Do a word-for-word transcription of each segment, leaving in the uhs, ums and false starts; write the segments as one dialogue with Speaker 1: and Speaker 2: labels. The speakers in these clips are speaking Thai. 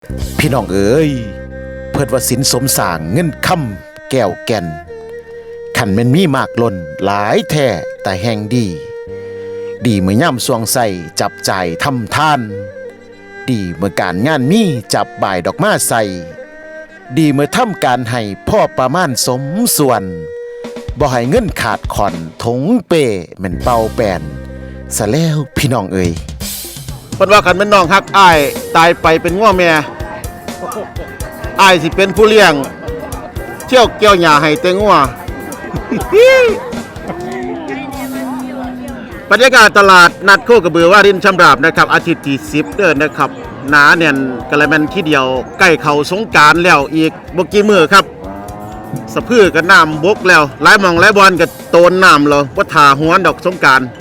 Speaker 1: พี่น้องเอ๋ยเพิดว่าสินสมสร้างเงินคำแก้วแก่นขันแม่นมีมากล้นหลายแท้แต่แห่งดี ดีเมื่อย่ำสวงใส่จับจ่ายทำทาน ดีเมื่อการงานมีจับบ่ายดอกมาใส่ ดีเมื่อทำการให้พ่อประมาณสมส่วนบ่ให้เงินขาดขอนทงเปแม่นเป่าแปนซะแล้วพี่น้องเอ๋ย
Speaker 2: เพิ่นว่าคันแม่นน้องฮักอ้ายตายไปเป็นง้อแม่อ้ายสิเป็นผู้เลี้ยงเที่ยวเกี่ยวหญ้าให้แต่งัว บรรยากาศตลาดนัดโคกระบือว่ารินชำราบนะครับอาทิตย์ที่สิบเดือนนะครับหนาแน่นกะละแมนที่เดียวใกล้เข้าสงกรานต์แล้วอีกบ่กี่มื้อครับสะพือกับน้ำบกแล้วหลายหม่องหลายบอนก็โตนน้ำแล้วบ่ท่าหวนดอกสงกรานต์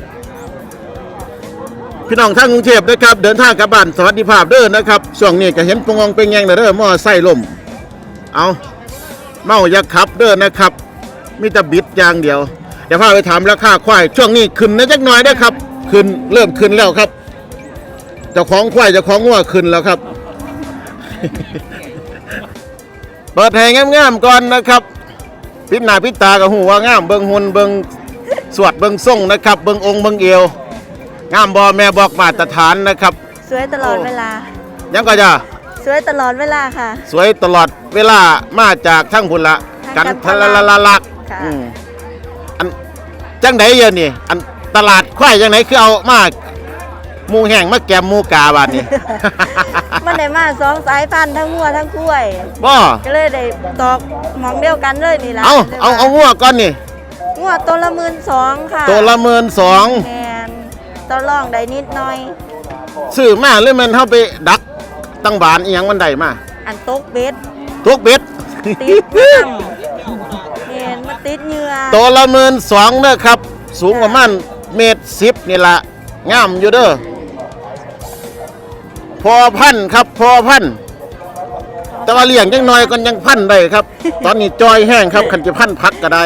Speaker 2: พี่น้องทางกรุงเทพนะครับเดินทางกลับบ้านสวัสดิภาพเด้อนะครับช่วงนี้ก็เห็นปงองเป็นแยงเด้อมอไซค์ล่มเอาเมาอย่าขับเด้อนะครับมีแต่บิดอย่างเดียวเดี๋ยวพาไปถามราคาควายช่วงนี้ขึ้นนะจักหน่อยได้ครับขึ้นเริ่มขึ้นแล้วครับเจ้าของควายเจ้าของงัวขึ้นแล้วครับ เปิดให้งามๆก่อนนะครับพิจหน้าพิจตากับหูว่างามเบิ่งหุ่นเบิ่งสวดเบิ่งทรงนะครับเบิ่งองค์เบิ่งเอวงามบ่แม่บอกมาตรฐานนะครับ
Speaker 3: สวยตลอดเวลา
Speaker 2: ยังก็จะ
Speaker 3: สวยตลอดเวลาค่ะ
Speaker 2: สวยตลอดเวลามาจากทั้งพุ่นละกันทะละละละลักอันจังไดเยอะนี่อันตลาดควายจังไดคือเอามาหมูแห้งมาแกมหมูกาบาดนี้
Speaker 3: มันได้มาสองสายพันธุ์ทั้งงัวทั้งกล้วย
Speaker 2: บ่
Speaker 3: ก็เลยได้ตอกหมองเดียวกันเลยนี่ล่ะ
Speaker 2: เอาเอาเอางัวก่อนนี่
Speaker 3: งัวตัวละหมื่นสองค่ะ
Speaker 2: ตัวละหมื่นสอง
Speaker 3: แมนต่อรองได้นิดหน่อย
Speaker 2: ซื้อมาหรือมันเฮาไปดักตั้งบานอีหยังมันได้มา
Speaker 3: อันตกเบ็ด
Speaker 2: ตกเบ็ด
Speaker 3: ติดตั้งเห็นมันติดเหยื่อ
Speaker 2: ตัวละหมื่นสองเด้อครับสูงประมาณเมตรสิบนี่ล่ะงามอยู่เด้อพอพันครับพอพันแต่ว่าเลี้ยงยังน้อยก็ยังพันได้ครับ ตอนนี้จอยแห้งครับคันจะพันพักก็ได้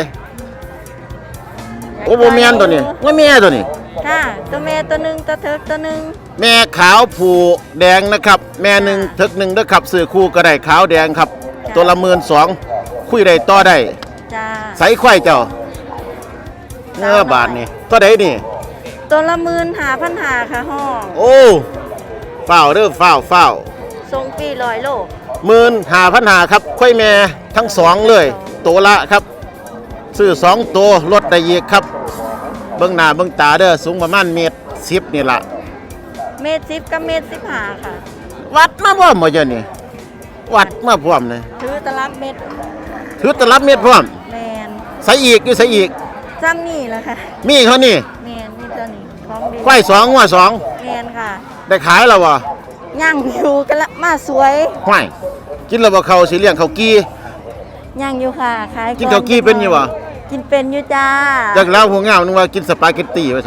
Speaker 2: โอ้โหแม่นตัวนี้ว่าแม่ตัวนี้
Speaker 3: ค่ะตัวแม่ตัวหนึ่งตัวเถิกตัวหนึ่ง
Speaker 2: แม่ขาวผูแดงนะครับแม่หนึ่งเถิกหนึ่งเด้อครับซื้อคู่ก็ได้ขาวแดงครับตัวละหมื่นสองคุยได้ต่อได้
Speaker 3: จ้า
Speaker 2: ใส่ควายเจ้าเนื้อบาทนี่ตัวใดนี่
Speaker 3: ตัวละหมื่นหาพันหาค่ะห้อง
Speaker 2: โอ้เฝ้าเด้อเฝ้าเฝ้า
Speaker 3: ทรงปีลอยโล
Speaker 2: หมื่นหาพันหาครับควายแม่ทั้งสองเลยตัวละครับซื้อสองตัวลดได้อีกครับเบื้องหน้าเบื้องตาเด้อสูงประมาณเมตรสิบนี่ละ
Speaker 3: เมตรสิบกับเมตรสิบห้าค่ะ
Speaker 2: วัดมาพร้อมหมดเจ้านี่วัดมาพร้อมเลย
Speaker 3: ถือตลับเมตร
Speaker 2: ถือตลับเมตรพร้อม
Speaker 3: แมน
Speaker 2: ใส่อีกอยู่ใส่อีก
Speaker 3: ซ้ำนี่แหละค่ะ
Speaker 2: มีเขานี่
Speaker 3: แมนนี่ตัวนี้ของดี
Speaker 2: ควายสองว่าสอง
Speaker 3: แมนค่ะ
Speaker 2: ได้ขายแล้ววะ
Speaker 3: ย่างอยู่กันละมาสวย
Speaker 2: ห้วยกินแล้วบ่เขาสิเลี้ยงเขากี้
Speaker 3: ย่างอยู่ค่ะขาย
Speaker 2: กินเขากี้เป็นอยู่วะ
Speaker 3: กินเป็นอยู่จ้า
Speaker 2: จากแล้วหัวเงานึกว่ากินสปาเกตตี้ไว้สิ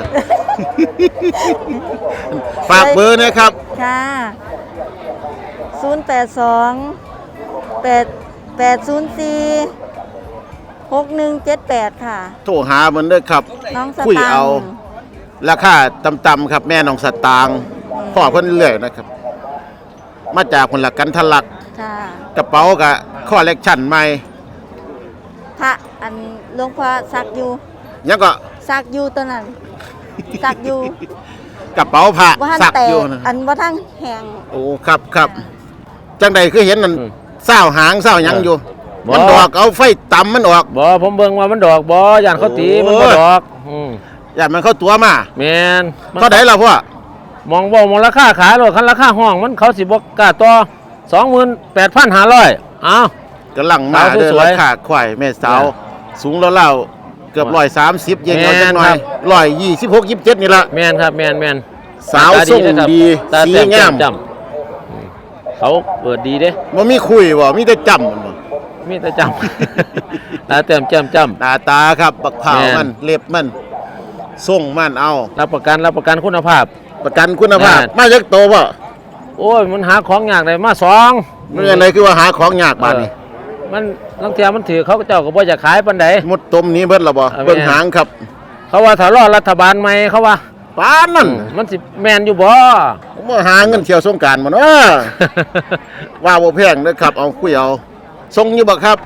Speaker 2: ฝากเบอร์นะครับ
Speaker 3: ค่ะศูนย์แปดสองแปดแปดศูนย์สี่หกหนึ่งเจ็ดแปดค่ะ
Speaker 2: โทรหามันเด้อครับคุยเอาราคาต่ำๆครับแม่น้องสตางค์พ่อเพิ่นเรื่อยนะครับมาจากคนละกันทะลักกระเป๋ากับคอลเลคชั่นใหม่
Speaker 3: พระอันหลวงพ่อซักอยู่
Speaker 2: ยังก็
Speaker 3: ซักอยู่ตัวนั้นซักอยู่
Speaker 2: กระเป๋าผ้าซักอยู่
Speaker 3: อันว่าทั้งแหง
Speaker 2: โอ้ครับครับจังใดคือเห็นนั่นเศร้าหางเศร้ายังอยู่มันดอกเอาไฟต่ำมันออก
Speaker 4: บ่ผมเบิ่งว่ามันดอกบ่ย่านเขาตีมันบ่ดอก
Speaker 2: ย่านมันเข้าตัวมา
Speaker 4: แม่น
Speaker 2: เท่าใดล่ะพ่อ
Speaker 4: มองบ่มองราคาขายโลดคันราคาห้องมันเขาสิบ่กล้าต่อ สองหมื่นแปดพันห้าร้อย อ้าว
Speaker 2: กำลังมาเด้อราคาควายแม่สาวสูงแล้วๆเกือบหนึ่งร้อยสามสิบเย็นเอาจังหน่อยหนึ่งร้อยยี่สิบหก ยี่สิบเจ็ดนี่ล่ะ
Speaker 4: แม่นครับแม่นแม่น
Speaker 2: สาวทรงดีสีงาม
Speaker 4: เขาเปิดดีเด้
Speaker 2: บ่มีคุยบ่มีแต่จำมันบ่
Speaker 4: มีแต่จำตาเต็มจำจำ
Speaker 2: ตาตาครับบักเผามันเล็บมันส่งมันเอา
Speaker 4: รับประกันรับประกันคุณภาพ
Speaker 2: ประกันคุณภาพมาจากโตบ่
Speaker 4: โอ้ยมันหาของยากได้มาสอง
Speaker 2: มันอะไรคือว่าหาของยากบาดนี้
Speaker 4: มันลังเทียมันถือเขาเจ้าก็บ่อยากขายปานใด
Speaker 2: หมดต้มนี้เบิดแล้วบ่เบิ่งหางครับ
Speaker 4: เขาว่าถ้ารอรัฐบาลใหม่เขาว่า
Speaker 2: ปานนั่น
Speaker 4: มันสิแม่นอยู่บ่
Speaker 2: ผมมาหาเงินเที่ยวสงกรานต์มาเนาะ ว่าบ่แพงเด้อครับเอาคุยเอาส่งอยู่บ่ครับ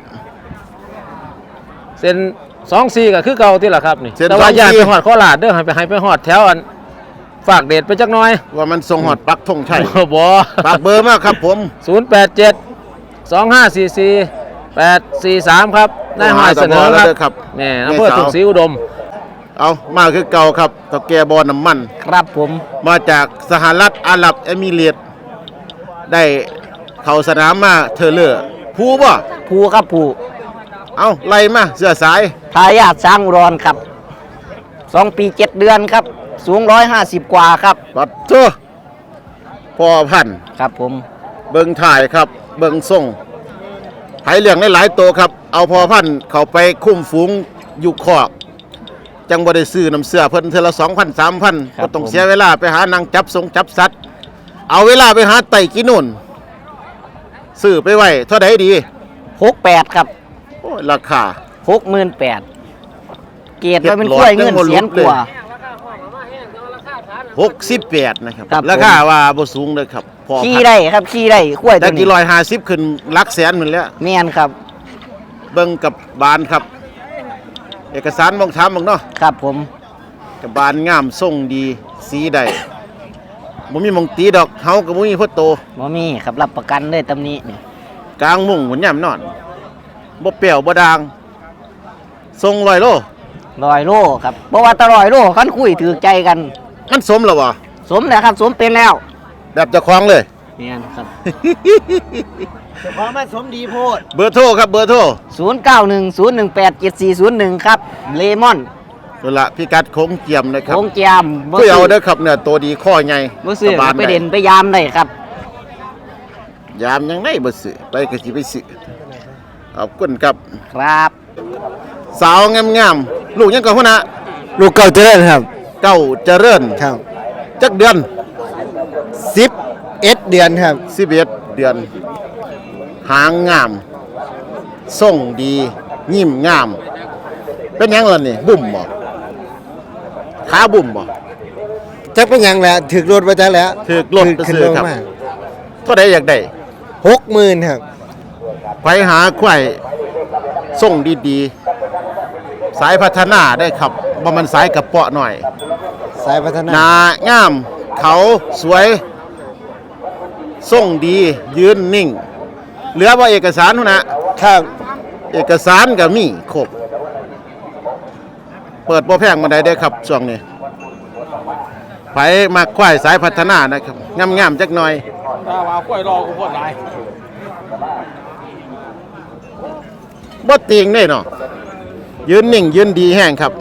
Speaker 4: เส้นสองสี่ก็คือเก่าที่ล่ะครับนี่
Speaker 2: เส้น
Speaker 4: แต่ว่า
Speaker 2: สองสี่
Speaker 4: อย่าไปฮอดโคราชเด้อให้ไปให้ไปฮอดแถวอันฝากเดชไปจักหน่อย
Speaker 2: ว่ามันส่งฮอดปักธงชัย
Speaker 4: บ่
Speaker 2: ฝากเบอร์มาครับผม
Speaker 4: ศูนย์แปดเจ็ด สองห้าสี่สี่ แปดสี่สามครับนายหอยเสนอ
Speaker 2: โทรหา
Speaker 4: ครับ
Speaker 2: เด้อครับ
Speaker 4: แม่อำเภอ
Speaker 2: แม่สาว
Speaker 4: ถุงศรีอุดม
Speaker 2: เอามาคือเก่าครับตะแกบ่อน้ำมัน
Speaker 4: ครับผม
Speaker 2: มาจากสหรัฐอาหรับเอมิเรตส์ได้เข้าสนามมาเธอเลอร์ผู้บ่
Speaker 5: ภูครับภู
Speaker 2: เอาไล่มาเสื้อสาย
Speaker 5: ทายาทช้างอุดรครับสองปีเจ็ดเดือนครับ สูงร้อยห้าสิบกว่าครับ
Speaker 2: ปัดเจ้อพ่อพันธุ์
Speaker 5: ครับผม
Speaker 2: เบิงถ่ายครับ เบิงส่งไผเลี้ยงหลายๆตัวครับ เอาพอพันธุ์เข้าไปคุ้มฝูงอยู่คอก จังบ่ได้ซื้อน้ำเสื้อเพิ่นเทื่อละสองพันสามพันก็ต้องเสียเวลาไปหานางจับสงจับสัตว์ เอาเวลาไปหาไต่กินนู่นซื้อไปไว้เท่าใดดี
Speaker 5: หกแปดครับ
Speaker 2: โอ้ยราคา
Speaker 5: หกหมื่นแปดเกียรติว่าเป็นกล้วยเงินเสียนกว่า
Speaker 2: หกสิบแปดนะครับ
Speaker 5: ครับ
Speaker 2: ราคาว่าบ่สูงเลยครับพอ
Speaker 5: ขี่
Speaker 2: พัน
Speaker 5: ได้ครับขี่ได้กล้วย
Speaker 2: แต่
Speaker 5: ตัว
Speaker 2: กี่
Speaker 5: นี้
Speaker 2: ร้อยห้าสิบขึ้นหลักแสนเหมือนแล้ว
Speaker 5: แม่นครับ
Speaker 2: เบิ่งกับบานครับ เอกสารมองถามมองเนาะ
Speaker 5: ครับผม
Speaker 2: กับบานงามทรงดีสีใดบ่มีหมองตีดอกเฮาก็บ่มีพ่อโต
Speaker 5: บ่มีครับรับประกันเลยตำหนี้นี่
Speaker 2: กลางมุ้งหุ่นย่ำนอนบ่เปรี้ยวบ่ดางทรงร้อยโล
Speaker 5: ร้อยโลครับเพราะว่าตะร้อยโลคันคุยถือใจกัน
Speaker 2: มันสมแล้วบ่
Speaker 5: สมแล้วครับ สมเป็นแล้ว
Speaker 2: แบบเจ้าของเลย
Speaker 5: แม่นครับ
Speaker 2: เบอร์โทรครับเบอร์โทร
Speaker 5: ศูนย์เก้าหนึ่ง ศูนย์หนึ่งแปด เจ็ดสี่ศูนย์หนึ่งครับเลมอน
Speaker 2: นั่นละพิกัดโค้งเจียมนะครับ
Speaker 5: โงเจียม
Speaker 2: คุยเอาเด้อครับเนี่ยตัวดีข้อใหญ่
Speaker 5: บ่ซื้อ
Speaker 2: สบาน
Speaker 5: ไปเด่นไปยามได้ครับ
Speaker 2: ยามยังไงบ่ซื้อไปก็สิไปซื้อขอบคุณครับ
Speaker 5: ครับ
Speaker 2: สาวงามๆลูกยังก่อนพุ่นน่ะ
Speaker 6: ลูกเก่าเจริญครับ
Speaker 2: เก้าเจริญ
Speaker 6: ครับ
Speaker 2: จักเดือน
Speaker 6: สิบเอ็ดเดือนครับ
Speaker 2: สิบเอ็ดเดือน หางงามทรงดียิ้มงาม เป็นหยังล่ะนี่บุ่มบ่ขาบุ่มบ่
Speaker 6: จักเป็นหยังแหละถึกรถมาจักแล้ว
Speaker 2: ถูกรถไป
Speaker 6: ขึ้น
Speaker 2: ซื้อ
Speaker 6: ลง
Speaker 2: ครับ
Speaker 6: มา
Speaker 2: เท่าใดอยากได้
Speaker 6: หกหมื่นครับ
Speaker 2: ไปหาควายส่งดีๆ สายพัฒนาได้ครับบ่มันสายกระเปาะหน่อย
Speaker 6: สายพัฒนา
Speaker 2: หนางาม เขาสวยส่งดี ยืนนิ่ง เหลือว่าเอกสารนู่นนะครับ เอกสารก็มีครบ เปิดบ่แพงมาได้ได้ครับช่วงนี้ไปมาควายสายพัฒนานะครับ งามๆจักหน่อย
Speaker 4: ถ้าว่าควายรอกูพอดหลาย
Speaker 2: บ่ติงได้เนาะยืนนิ่ง ยืนดีแห้งครับ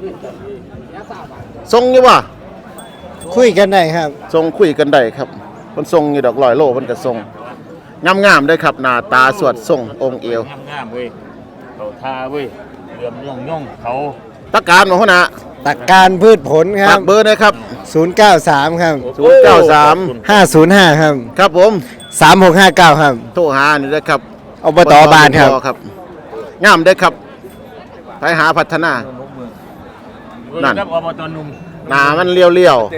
Speaker 2: ทรงอยู่บ่
Speaker 6: คุยกันได้ครับ
Speaker 2: ทรงคุยกันได้ครับมันทรงอยู่ดอกลอยโลมันก็ทรงงามๆได้ครับหน้าตาสวดทรงองค์เอว
Speaker 7: งามๆเว้ยเขาทาเว้ยเหลื่อมย่องย่องเขา
Speaker 2: ตะการมาหัวหน้า
Speaker 6: ตักการพืชผลค
Speaker 2: ฝา
Speaker 6: รั
Speaker 2: ก
Speaker 6: บ
Speaker 2: เบอร์นะครับ
Speaker 6: ศูนย์เก้าสามครับ
Speaker 2: ศูนย์เก้าสาม
Speaker 6: ห้าศูนย์ห้าครับ
Speaker 2: ครับผม
Speaker 6: สามหกห้าเก้าครับ
Speaker 2: โทรหานี่นะครับ
Speaker 6: อบตบานครับ
Speaker 2: ครับงามได้ครับ ไปหาพัฒนา นั่น
Speaker 7: ครับอบตหนุ่ม
Speaker 2: หน้ามันเลี้ยวๆ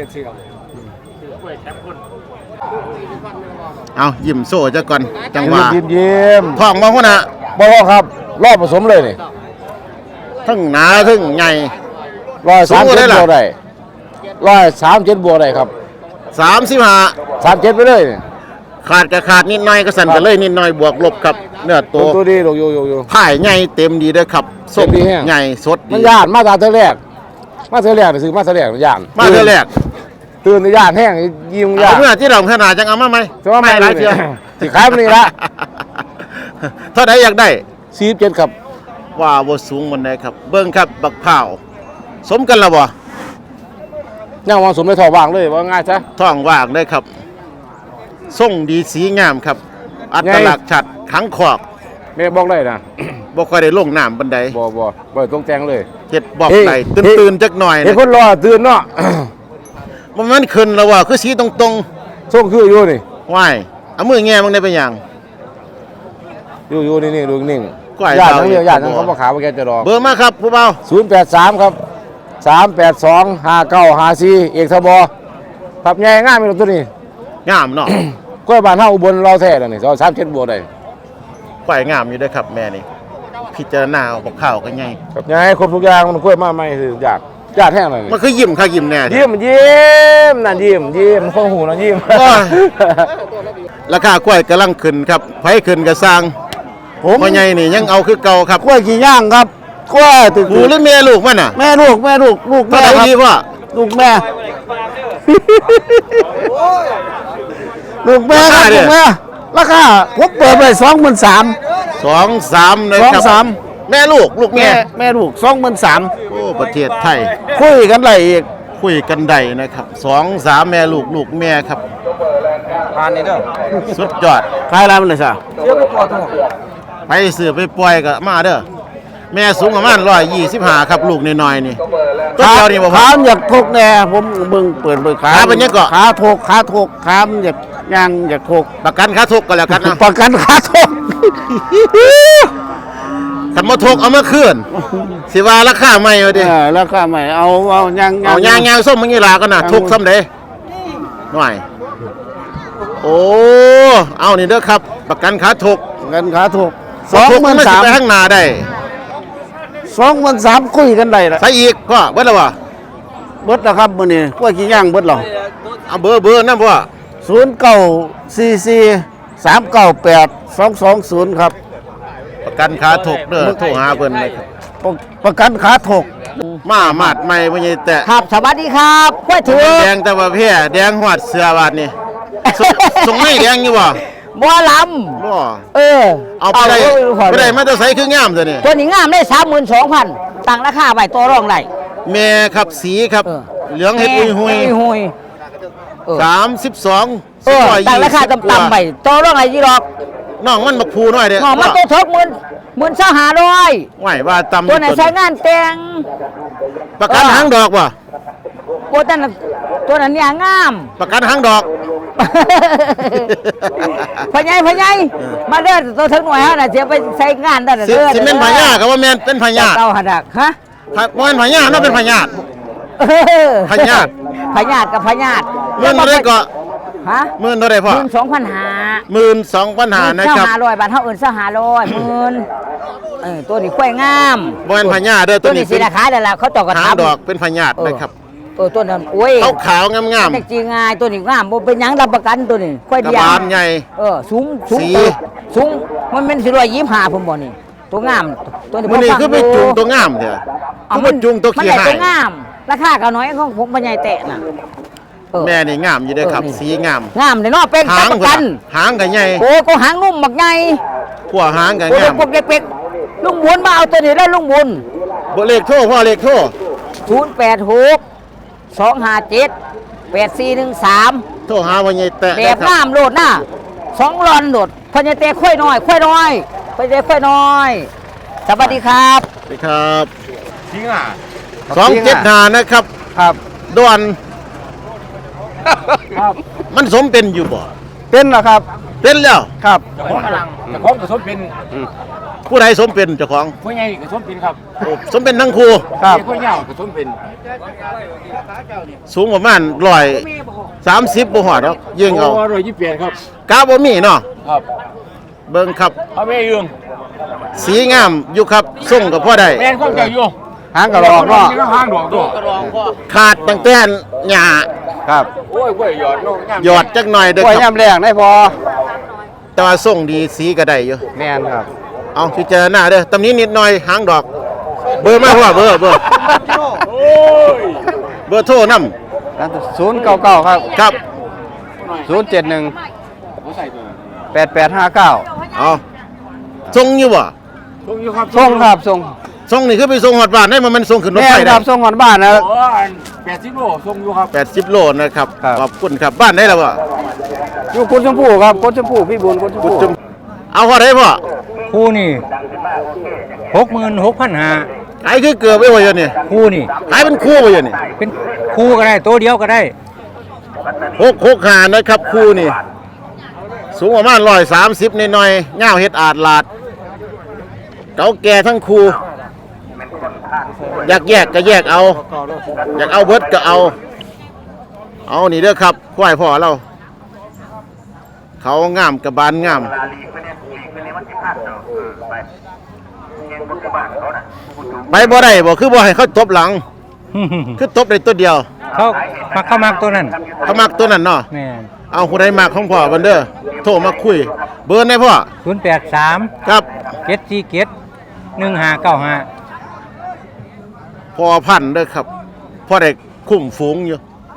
Speaker 2: เอายิ้มโซ่จะก่อนจังหวะ
Speaker 4: ยิ้มยิ้ม
Speaker 2: ท้องมาหัวหน้า
Speaker 4: บ่พอครับ รอบผสมเลยนี่
Speaker 2: ทั้งหนาทั้งใหญ่
Speaker 4: ร้อยสาม
Speaker 2: สูงกว่าได้
Speaker 4: เจ็ด
Speaker 2: ล่ะ
Speaker 4: บวกได้ร้อยสามเจ็ดบวกได้ครับ
Speaker 2: สามสิบห้า
Speaker 4: สามเจ็ดไปเลยนี่
Speaker 2: ขาดก็ขาดนิดหน่อยก็สั่นกันเลยนิดหน่อยบวกลบครับเนื้อ
Speaker 4: ตั
Speaker 2: ตัว ว
Speaker 4: ตัวดีลูกอยู่อยู่อยู่
Speaker 2: ผ่ายใหญ่เต็มดีเด้อครับส้ม
Speaker 4: เต็มดีแฮะ
Speaker 2: ใหญ่สดดี
Speaker 4: มันย่านมาตาเธอแรก มาเธอแรกนี่ซื้อมาเธอแรกย่าน
Speaker 2: มาเทื่อแรก
Speaker 4: ตื่นในย่านแห้งยิ้มย่า
Speaker 2: เอา
Speaker 4: น
Speaker 2: เมื่อที่เราขนาดจังเอามาไหม
Speaker 4: จะว่าไม่
Speaker 2: หลาย
Speaker 4: เล
Speaker 2: เทื่อย
Speaker 4: สิขายมันนี่ละ
Speaker 2: เท่าใดอยากได้
Speaker 4: สี่สิบเจ็ดครับ
Speaker 2: ว่าบ่สูงมันได้ครับ เบิ่งครับบักพร้าวสมกันแล้วบ่
Speaker 4: ย่างวางสมในท่อว่างเลยว่าง่ายซะ
Speaker 2: ท้องว่างได้ครับทรงดีสีงามครับ อัตลักษณ์ชัดขังขอก
Speaker 4: แม่บอกได้นะ
Speaker 2: บ่ค่อยได้ลงน้ำบันได
Speaker 4: บ่บ่บ่ต้องแจงเลย
Speaker 2: เฮ็ดบอก
Speaker 4: เฮ้ย
Speaker 2: ได้
Speaker 4: เฮ้ย
Speaker 2: ตื่นๆจักหน่อย
Speaker 4: เห็น
Speaker 2: นะ
Speaker 4: คนรอตื่นเนาะ
Speaker 2: มันมันขึ้นแล้วว่าคือสีตรง
Speaker 4: ส่งคืออยู่นี่
Speaker 2: ๆว้ายเอามือแง่มันได้เป็นหยัง
Speaker 4: อยู่อยู่นี่นี่ดูนิ่ง
Speaker 2: ก้อย
Speaker 4: ญาติ
Speaker 2: เบา
Speaker 4: ทั้งเดียว
Speaker 2: อีก
Speaker 4: ญาติทั้ง
Speaker 2: บ่
Speaker 4: เขามาขายมาแกจะรอ
Speaker 2: เบอร์มาครับผู้เบา
Speaker 4: ศูนย์แปดสามครับ
Speaker 8: สามแปดสองห้าเก้าห้าสี่เอกทบครับใหญ่ง่ายมีตัวนี้
Speaker 2: งามเนาะ
Speaker 8: กล้วยบานเฮาอุบลเราแท้แล้วนี่สามเจ็ดบัวได้
Speaker 2: ควายงามอยู่เด้อครับแม่นี่พิจารณาเอากับข้าวก็ไง
Speaker 8: ครับใหญ่ครบทุกอย่างมันกล้วยมาใหม่คืออยากญาติแห้งเลย
Speaker 2: มันคือยิ้มค่ะยิ้มแน่
Speaker 8: ยิ้มยิ้มนั่นยิ้มยิ้มข้อหูนะยิ้ม
Speaker 2: ราคากล้วยกำลังขึ้นครับไผขึ้นก็สร้าง
Speaker 8: ผม
Speaker 2: พ่อใหญ่นี่ยังเอาคือเก่าครับ
Speaker 8: กล้วยกี่ย่างครับกล้วยตึก
Speaker 2: หูหรือแม่ลูกมันน่ะ
Speaker 8: แม่ลูกแม่ลูกลูก
Speaker 2: เท่า
Speaker 8: แม่
Speaker 2: ไหร่
Speaker 8: ครับ
Speaker 2: ดีพ่อ
Speaker 8: ลูกแม่ ลูกแม่ครับลูกแม่ราคาผมเปิดไปสองหมื่นสาม
Speaker 2: สองสามนะครั
Speaker 8: สองสาม
Speaker 2: แม่ลูกลูก
Speaker 8: แม่
Speaker 2: แม่
Speaker 8: แม่ลูกสองหมื่นสาม
Speaker 2: โอ้ประเทศไทย
Speaker 8: คุยกันไรอีก
Speaker 2: คุยกันได้นะครับสองสามแม่ลูกลูกแม่ครับ
Speaker 8: ผ่านนี่เด้อ
Speaker 2: สุดยอด
Speaker 8: ขายอะไรมันเลยซะ
Speaker 2: ไปซื้อไปปล่อยก็มาเด้อแม่สูงประมาณร้อยยี่สิบห้าครับลูกน้อยๆนี่ตัวเดียวนี่บ่พอ
Speaker 8: ขามอยากทกแน่ผมเบิ่งเปิดเบิ่งขา
Speaker 2: ขาเป็นยังเกาะ
Speaker 8: ขาทกขาทกขามอยากย่างอยากทก
Speaker 2: ประกันค่าทุกข์ก็แล้วกันนะ
Speaker 8: ประกันขาทก
Speaker 2: คันบ่ทุกข์เอามาคืนสิว่าราคาใหม่เอาดิ
Speaker 8: เออแล้วก็ไม่เอาเอาย่าง
Speaker 2: เอายางยางส้มมึงนี่ล่ะกันน่ะทุกข์ซ้ำใดหน่อยโอ้เอานี่เด้อครับประกันค่าทุกข์
Speaker 8: เงินขาทกส
Speaker 2: ส
Speaker 8: อ
Speaker 2: อง ง
Speaker 8: หมื่น
Speaker 2: มันสิ
Speaker 8: สาม
Speaker 2: ไปข้างหน้าได้
Speaker 8: สองหมื่นสามคุยกันได้ละ
Speaker 2: ใส่อีกก็เบิดแล้วบ่
Speaker 8: เบิดแล้วครับมื้อนี้กล้วยกี่ย่างเบิดแล้ว
Speaker 2: เอาเบอร์เบอร์นำบ่
Speaker 8: ศูนย์เก้าสี่สี่สามเก้าแปดสองสองศูนย์ครับ
Speaker 2: ประกันค่าทุกข์เด้อโทรหาเพิ่นเลยครับ
Speaker 8: ประประกันขาถก
Speaker 2: มามาดใหม่บ่ใหญ่แต่
Speaker 5: ครับสวัสดีครับกล้วยถือ
Speaker 2: แดงแต่ว่าแพ้แดงหอดเสื้อบาดนี่ส่งส่งไม่แดงอยู่บ่
Speaker 5: บัวล
Speaker 2: บ่
Speaker 5: ำเออ
Speaker 2: เอาไปได้
Speaker 5: เอ
Speaker 2: ไปได้มาแต่ใส่คืองามตัวนี้
Speaker 5: ตัวนี้งามได้สามหมื่นสองพันตั้งราคาไว้ตัวรองไร
Speaker 2: แม่ครับสีครับ
Speaker 5: เออ
Speaker 2: เหลืองเฮ็ดหุยหุย
Speaker 5: หุยหุยเออ
Speaker 2: สามสิบสอง
Speaker 5: เออตั้งราคาต่ำๆไปตัวรองไรยี่หรอก
Speaker 2: น้องมันบักพูน้อยเด้อ
Speaker 5: หอมมาตัวทกหมื่นหมื่นสองห้าร้อย
Speaker 2: ไหวว่าต่ำ
Speaker 5: ตัวไหนใช้งานแต่ง
Speaker 2: ประกัน
Speaker 5: เออ
Speaker 2: หางดอกบ่
Speaker 5: ตัวนั้นน่ะตัวนั้นเนี่ยงาม
Speaker 2: ประกันหางดอก
Speaker 5: พะไยพะไยมาเด้อตัวถึงหน่วยฮะน่ะเสียไปใช้งานได้
Speaker 2: สิ
Speaker 5: เด้อ
Speaker 2: สิเป็นพญาก็ว่าแม่นเป็นพญา
Speaker 5: เก่าหัดักฮะ
Speaker 2: ครับบ่แม่นพญาเนาะเป็นพญา
Speaker 5: เออ
Speaker 2: พญาติ
Speaker 5: พญาติกับพญาติ
Speaker 2: เงินเท่าใดก็
Speaker 5: ฮะ
Speaker 2: หมื่นเท่าใด
Speaker 5: ห
Speaker 2: พ่อ
Speaker 5: มื่นสองพันห้า
Speaker 2: หมื่นสองพันห้านะครับ
Speaker 5: ห้าร้อยบาทเท่าอื่นเท่าห้าร้อยหมื่นเออตัวนี้ค่อยงาม
Speaker 2: บ่แม่นพญาเด้อตั
Speaker 5: ตัว ว
Speaker 2: นี้
Speaker 5: นี้สี
Speaker 2: เป็น
Speaker 5: ราคาเดี๋ยวละเขาตอกกระ
Speaker 2: หาง
Speaker 5: ทำ
Speaker 2: ดอกเป็นพญาตินะครับ
Speaker 5: เออตัวนั้นโอ้ย
Speaker 2: ขาวขาวๆงามงาม
Speaker 5: แต่จริงง่ายตัวนี้งามบ่เป็นหยังรับประกันตัวนี้ค่อย
Speaker 2: กระ
Speaker 5: เดียว
Speaker 2: บาลใหญ่
Speaker 5: เออสูงสูง
Speaker 2: สี
Speaker 5: สูงมันเป็นสี่ร้อยยี่สิบห้าผมบอกนี่ตัวงามตัวนี้
Speaker 2: มื้อนี้
Speaker 5: ผม
Speaker 2: คือไป
Speaker 5: ฟั
Speaker 2: จูง
Speaker 5: ดู
Speaker 2: ตัวงามเด้อ
Speaker 5: เอา
Speaker 2: คือไปจูงตัว
Speaker 5: มัน
Speaker 2: ขี้
Speaker 5: ได้
Speaker 2: หา
Speaker 5: ตัวย งาม ราคาก็น้อยของผมปัญญาแตะน่ะเออ
Speaker 2: แม่นี่งามอยู่เด้อครับ
Speaker 5: เออนี่
Speaker 2: สีงาม
Speaker 5: งามเลยเนาะเป็น
Speaker 2: หาง
Speaker 5: ประกัน
Speaker 2: หางก็ใหญ่
Speaker 5: โอ้ก็หางนุ่มบักใหญ่
Speaker 2: ขัวหางก็
Speaker 5: โอ้
Speaker 2: งาม
Speaker 5: เด็กๆเด็กๆลุงบุญมาเอาตัวนี้แล้วลุงบุญ
Speaker 2: บ่เลขโทรพ่อเลขโทร
Speaker 5: ศูนย์แปดหกสองห้าเจ็ดแปดสี่หนึ่งสาม
Speaker 2: โทรหาว่าใหญ่แตะ
Speaker 5: แบ
Speaker 2: นะ
Speaker 5: บ
Speaker 2: ครับ
Speaker 5: งามโลดน่ะสองรอนโลดพญาเตะค่อยน้อยค่อยน้อยพญาเตะค่อยน้อยสวัสดีครับ
Speaker 2: สวัสดีครับ
Speaker 7: จริงอ่ะ
Speaker 2: สองเจ็ดห้านะครับ
Speaker 8: ครับ
Speaker 2: ดวนมันสมเป็นอยู่บ่
Speaker 8: เป็นเหรอครับ
Speaker 2: เป็นแล้ว
Speaker 8: ครับ
Speaker 7: ของพลังแต่ของกระสมเป็น
Speaker 2: ผู้ใดสมเป็นเจ้าของ
Speaker 7: ผู้ใหญ่กระสมเป็นครับ
Speaker 2: โอ้สมเป็นทั้งคู่
Speaker 8: ครับ
Speaker 7: ผู้ใหญ่กระสมเป็น
Speaker 2: สูงประมาณร้อยสามสิบบ่หอดเนาะยิงเอา
Speaker 7: โอ้ร้อยยี่สิบแปดครับ
Speaker 2: กาบ่มีเนาะ
Speaker 7: ครับ
Speaker 2: เบิ่งครับ
Speaker 7: เอาแม่ยืง
Speaker 2: สีงามอยู่ครับส่งกับพ่อได้
Speaker 7: แม่นความเจ้าอยู่
Speaker 8: หางกระรอกเนาะ
Speaker 7: มีห้างดอกตัว
Speaker 2: ขาดตั้งแต่หญ้า
Speaker 8: ครับ
Speaker 7: โอ้ยกล้วยหยอดน้องงาม
Speaker 2: หยอดจักหน่อยเด้อก
Speaker 8: ล้วย
Speaker 2: ครับ
Speaker 8: ย่ำแรงได้พอ
Speaker 2: แต่ว่าส่งดีสีก็ได้อยู่
Speaker 8: แม่นครับ
Speaker 2: เอาพิจารณาเด้อตำนี้นิดหน่อยหางดอก เบอร์มาพ่อเบอร์เบอร์
Speaker 7: โอ้ย
Speaker 2: เบอร์โทรนำ
Speaker 8: ศูนย์เก้าเก้าครับ
Speaker 2: ครับ
Speaker 8: ศูนย์เจ็ดหนึ่ง
Speaker 7: ผู้ใส่ตัว
Speaker 8: แปดแปดห้าเก้า
Speaker 2: เอาส่งอยู่บ่
Speaker 7: ส่งอยู่ครับ
Speaker 8: ส่งครับส่ง
Speaker 2: ส่งนี่คือไปส่งฮอดบ้านได้มันมันส่งขึ้นรถ
Speaker 8: แม่
Speaker 2: ไฟ
Speaker 8: ค
Speaker 2: ได้
Speaker 8: รับส่งก่อนบ้านนะ
Speaker 7: โอ้ยแปดสิบโลส่งอยู่ครับ
Speaker 2: แปดสิบโลนะครับ
Speaker 8: ครับ
Speaker 2: ขอบคุณครับบ้านได้แล้วบ่
Speaker 8: อยู่กุดชมพู่ครับกุดชมพู่พี่บุญกุดชม
Speaker 2: คุณ
Speaker 8: พู่
Speaker 2: จุมเอาพอได้พ่อ
Speaker 9: คู่นี่หกหมื่นหกพันหา
Speaker 2: ขายคือเกือบไปว่าอยู่นี่
Speaker 9: คู่นี่
Speaker 2: ขายเป็นคู่ไปอยู่นี่
Speaker 9: เป็นคู่ก็ได้ตัวเดียวก็ได้
Speaker 2: หกหกหานะครับคู่นี่ สูงประมาณร้อยสามสิบหน่อยๆเง่าวเฮ็ดอาดลาด เก่าแก่ทั้งคู่อยากแยกก็แยกเอา อยากเอาเบิดก็เอา เอานี่เด้อครับควายพ่อเรา เขางามกับบานงาม ไปบ่ได้บ่คือบ่ให้เขาตบหลัง คือตบได้ตัวเดียว
Speaker 9: เขามาเข้ามาตัวนั้น
Speaker 2: เขามักตัวนั้นเนาะ
Speaker 9: แม่
Speaker 2: เอาผู้ใดมักของพ่อเบิ่นเด้อโทรมาคุย เบอร์ได้พ่อ
Speaker 9: ศูนย์แปดสาม
Speaker 2: ครับ
Speaker 9: เจ็ดสี่เจ็ดหนึ่งห้าเก้าห้า
Speaker 2: พอพันธุ์เด้อครับพ่อได้คุ้มฝูงอยู่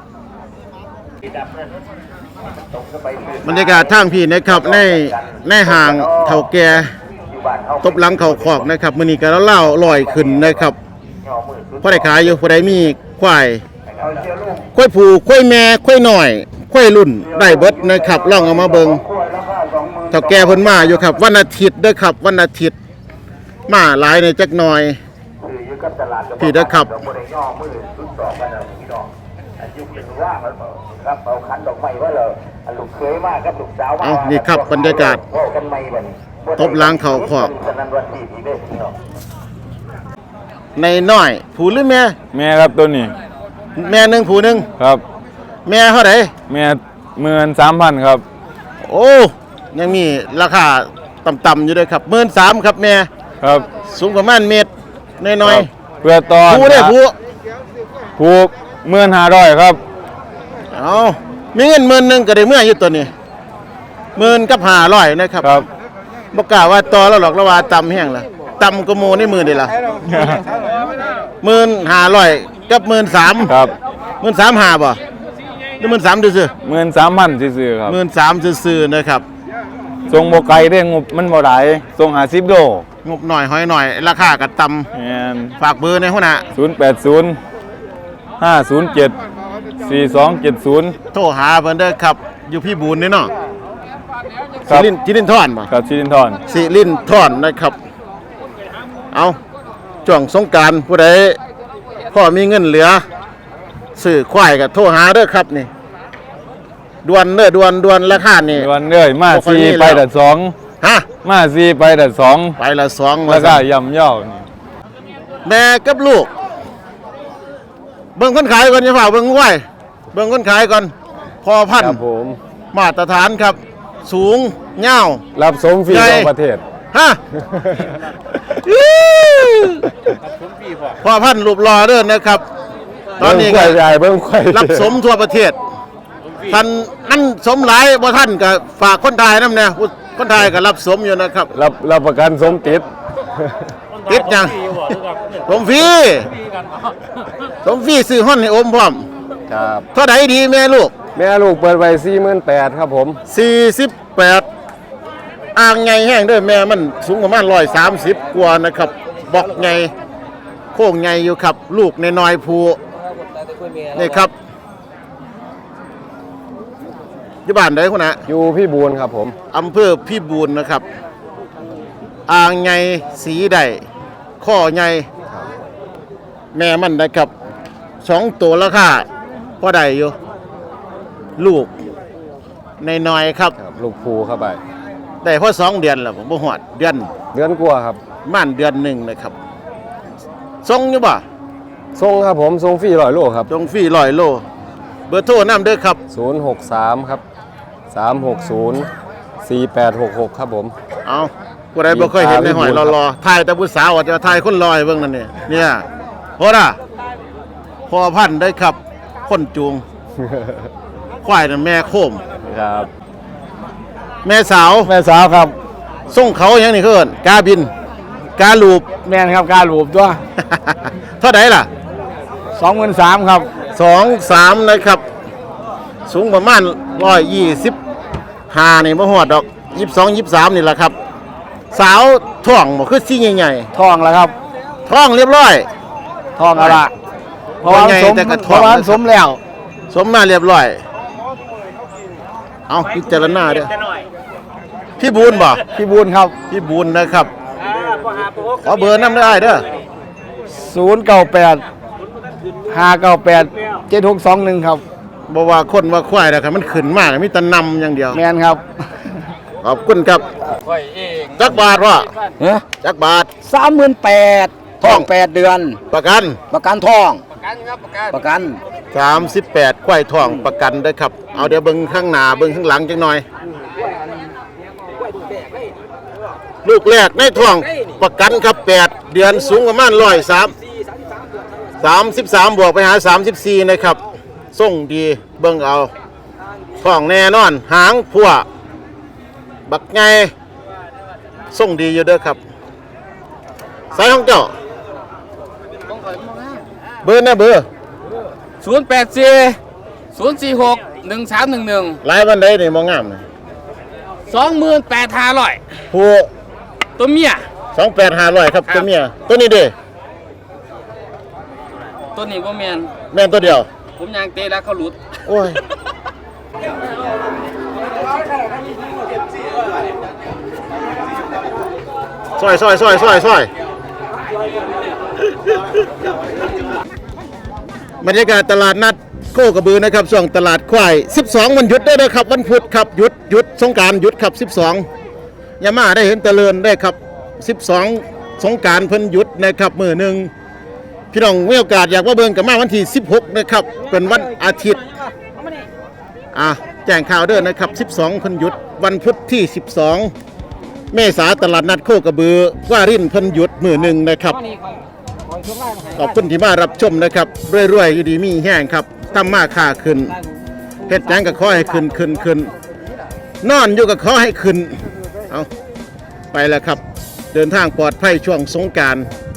Speaker 2: บรรยากาศทางพี่นะครับในในห่างเฒ่าแก่ตบหลังเขาขอกนะครับมื้อนี้ก็เล่าลอยขึ้นนะครับพ่อได้ขายอยู่ผู้ใดมีควายควายผูควายแม่ควายหน่อยควายรุ่นได้เบิดนะครับลองเอามาเบิ่งเฒ่าแก่เพิ่นมาอยู่ครับวันอาทิตย์เด้อครับวันอาทิตย์มาหลายในจักหน่อยพี่เด้อครับเอานี่ครับบรรยากาศตบล้างเขาขอกในน้อยผู้หรือแม่
Speaker 10: แม่ครับตัวนี้
Speaker 2: แม่หนึ่งผู้หนึ่ง
Speaker 10: ครับ
Speaker 2: แม่เท่าไหร่
Speaker 10: แม่หมื่นสามพันครับ
Speaker 2: โอ้ยังมีราคาต่ำๆอยู่ด้วยครับหมื่นสามครับแม่
Speaker 10: ครับ
Speaker 2: สูงประมาณเมตรน้อย
Speaker 10: ครับเพื่อตอน
Speaker 2: ๆผู้ได้ผู้
Speaker 10: ผูกหมื่นห้าร้อยครับ
Speaker 2: เอามีเงินหมื่นหนึ่งก็ได้เมื่ออยู่ตัวนี้หมื่นกับห้าร้อยนะครับ
Speaker 10: ครับ
Speaker 2: บอกกล่าวว่าต่อแล้วหรอกแล้วว่าต่ำแห้งละต่ำก็โมในมือนี่ละหมื่นห้าร้อยกับหมื่นสาม
Speaker 10: ครับ
Speaker 2: หมื่นสามห้าบ่หรือหมื่นสามซื่อ
Speaker 10: หมื่นสามพันซื่อๆครับ
Speaker 2: หมื่นสามซื่อๆนะครับ
Speaker 10: ทรงโบไกลได้งบมันบ่หลายทรงหาสิบโล
Speaker 2: งบหน่อยหอยหน่อยราคาก็ต่
Speaker 10: แม่น
Speaker 2: ำฝากเบอร์ในหัวหน้า
Speaker 10: ศูนย์แปดศูนย์ห้าศูนย์เจ็ดสี่สองเจ็ดศูนย์
Speaker 2: โทรหาเพิ่นเด้อครับ อยู่พี่บูนนี่เนาะ
Speaker 10: ครั
Speaker 2: สิ
Speaker 10: บ
Speaker 2: รินจิรินทอนบ่
Speaker 10: กับชิรินทร
Speaker 2: สิรินทอนนะครับ เอาช่วงสงกรานต์ผู้ใดพ่อมีเงินเหลือซื้อควายก็โทรหาเด้อครับนี่ด่วนเด้อด่วนด่วนราคานี่
Speaker 10: วันเอ้ยมา
Speaker 2: บ่ค่อย
Speaker 10: สี่
Speaker 2: มี
Speaker 10: ไป
Speaker 2: แล้ว
Speaker 10: แต่สอง
Speaker 2: ฮะ
Speaker 10: มาสี่ไปแต่สอง
Speaker 2: ไปละสอง
Speaker 10: แล้วก็
Speaker 2: ว่าซั่น
Speaker 10: ย่ำเย่านี่
Speaker 2: แม่กับลูก เบิ่งคนขายก่อนอย่าฝ่าเบิ่งควายเบิ่งคนขายก่อนพอพัน
Speaker 10: ครับผม
Speaker 2: มาตรฐานครับ สูงยาว
Speaker 10: รับสมฟรี
Speaker 2: ใหญ่
Speaker 10: ทั่วประเทศ
Speaker 2: ฮะ พอพันรูปรอเด้อนะครับ ตอนนี้
Speaker 10: เบิ่
Speaker 2: ก็
Speaker 10: งควายใหญ่เบิ่งควาย
Speaker 2: รับสมทั่วประเทศท่านอันสมหลายบ่ท่านก็ฝากคนไทยนำแน่ผู้คนไทยก็รับสมอยู่นะครับ
Speaker 10: รับรับประกันสมติด
Speaker 2: ติดยังสมฟรีสมฟรีซื้อห้อนให้อมพร้อม
Speaker 10: ครับ
Speaker 2: เท่าไหร่ดีแม่ลูก
Speaker 10: แม่ลูกเปิดไว้สี่หมื่นแปดครับผม
Speaker 2: สี่สิบแปดอ่างไงแห้งเด้วยแม่มันสูงประมาณร้อยสามสิบกว่านะครับ บอกไงโค้งไงอยู่ครับ ลูกในน้อยๆภูนี่ครับอยู่บ้านใดคุณนะ
Speaker 10: อยู่พี่บูนครับผม
Speaker 2: อำเภอพี่บูนนะครับ อ่างไงสีใดข้อไงแม่มันนะครับสองตัวราคาพอได้อยู่ ลูกในน้อยๆครับ
Speaker 10: ครับลูกภูเข้าไป
Speaker 2: ได้พอสองเดือนแล้วผมบ่หอดเดือน
Speaker 10: เดือนกว่าครับ
Speaker 2: ม่านเดือนหนึ่งนะครับส่งอยู่บ่
Speaker 10: ทรงครับผมทรงฟรีร้อยโลครับ
Speaker 2: ตรงฟรีร้อยโล เบอร์โทรน้ำเด้อครับ
Speaker 10: ศูนย์หกสามครับสามหกศูนย์สี่แปดหกหกครับผม
Speaker 2: เอาผู้ใดบ่เคยเห็นในหอยรอๆถ่ายแต่ผู้สาวอาจจะถ่ายคนลอยเบิ่งนั่นนี่เนี่ยโหน่ะพอพันธุ์ได้ครับ คนจูง ควายนั่นแม่โคม
Speaker 10: ครับ
Speaker 2: แม่สาว
Speaker 10: แม่สาวครับ
Speaker 2: ส่งเขาอย่างนี้เพิ่นกาบิน กาลูบ
Speaker 8: แม่นครับการหลูบตัว
Speaker 2: เท่าไหร่ล่ะ
Speaker 8: สองหมื่นสามครับ
Speaker 2: สองสามนะครับ สูงประมาณร้อยยี่สิบห้านี่บ่หอดดอกยี่สิบสองยี่สิบสามนี่แหละครับ สาวท้องบ่คือซี่ใหญ่
Speaker 8: ทองแล้วครับ
Speaker 2: ๆท้องเรียบร้อย
Speaker 8: ทองเอาละเพราะว่า
Speaker 2: ว่าไง
Speaker 8: สม
Speaker 2: แต่ก็ท
Speaker 8: เพ
Speaker 2: อง
Speaker 8: ราะว่า
Speaker 2: นะครับ
Speaker 8: สมแล้ว
Speaker 2: สมมาเรียบร้อย เอาพิจารณาเด้อพี่บูนบ่
Speaker 8: พี่บูนครับ
Speaker 2: พี่บูนนะครับ ขอเบอร์น้ำได้เด้อ
Speaker 8: ศูนย์เก้าแปดห้าเก้าแปดเจ็ดหกสองหนึ่งครับ
Speaker 2: บ่ว่าคนว่าควายนะครับมันขึ้นมากมีแต่นำอย่างเดียว
Speaker 8: แมนครับ
Speaker 2: ขอบคุณครับจักบาทว่า
Speaker 8: เฮ้ย
Speaker 2: จักบาท
Speaker 8: สามหมื่นแปด
Speaker 5: ทองแปดเดือน
Speaker 2: ประกัน
Speaker 5: ประกันทองประกัน
Speaker 2: สามสิบแปดควายทองประกันเด้อครับเอาเดี๋ยวเบิ่งข้างหน้าเบิ่งข้างหลังจังหน่อย ลูกแรกในท้องประกันครับแปดเดือนสูงประมาณร้อยสามสามสิบสามบวกไปหาสามสิบสี่นะครับส่งดีเบิ่งเอาท้องแน่นอนหางพัวบักไงส่งดีอยู่เด้อครับสายของเจ้าเบอร์นะเบอร์
Speaker 9: ศูนย์แปดสี่ศูนย์สี่หกหนึ่งสามหนึ่งหนึ่ง
Speaker 2: หลายวันใดนี่มองงามเลย
Speaker 9: สองหมื่นแปดห้าร้อย
Speaker 2: ผู้
Speaker 9: ตัวเมีย
Speaker 2: สองแปดห้าร้อยครับตัวเมียตัวนี้เด้
Speaker 9: ตัวนี้บ่แมน
Speaker 2: แม่นตัวเดียว
Speaker 9: ผมยางเตะแล้วเขาหลุด
Speaker 2: โอ้ยซอยซอยซอยซอยซอยบรรยากาศตลาดนัดโคกระบือนะครับช่วงตลาดควายสิบสองวันหยุดได้เลยครับวันพุธครับหยุดหยุดสงกรานต์หยุดครับสิบสองยามาได้เห็นเจริญได้ครับสิบสองสงกรานต์เพิ่นหยุดนะครับมื้อหนึงพี่น้องมีโอกาสอยากว่าเบิ่งกับมาวันที่สิบหกนะครับเป็นวันอาทิตย์อ่ะแจ้งข่าวเด้อนะครับสิบสองเพิ่นหยุดวันพุธที่สิบสองเมษาตลาดนัดโคกระบือว่ารินเพิ่นหยุดมื้อหนึงนะครับขอบคุณที่มารับชมนะครับรวยๆอยู่ดีมีแห้งครับทำมาค่าขึ้นเฮ็ดหยังก็ขอให้ขึ้นขึ้นขึ้นนอนอยู่ก็ขอให้ขึ้นเอาไปแล้วครับเดินทางปลอดภัยช่วงสงกรานต์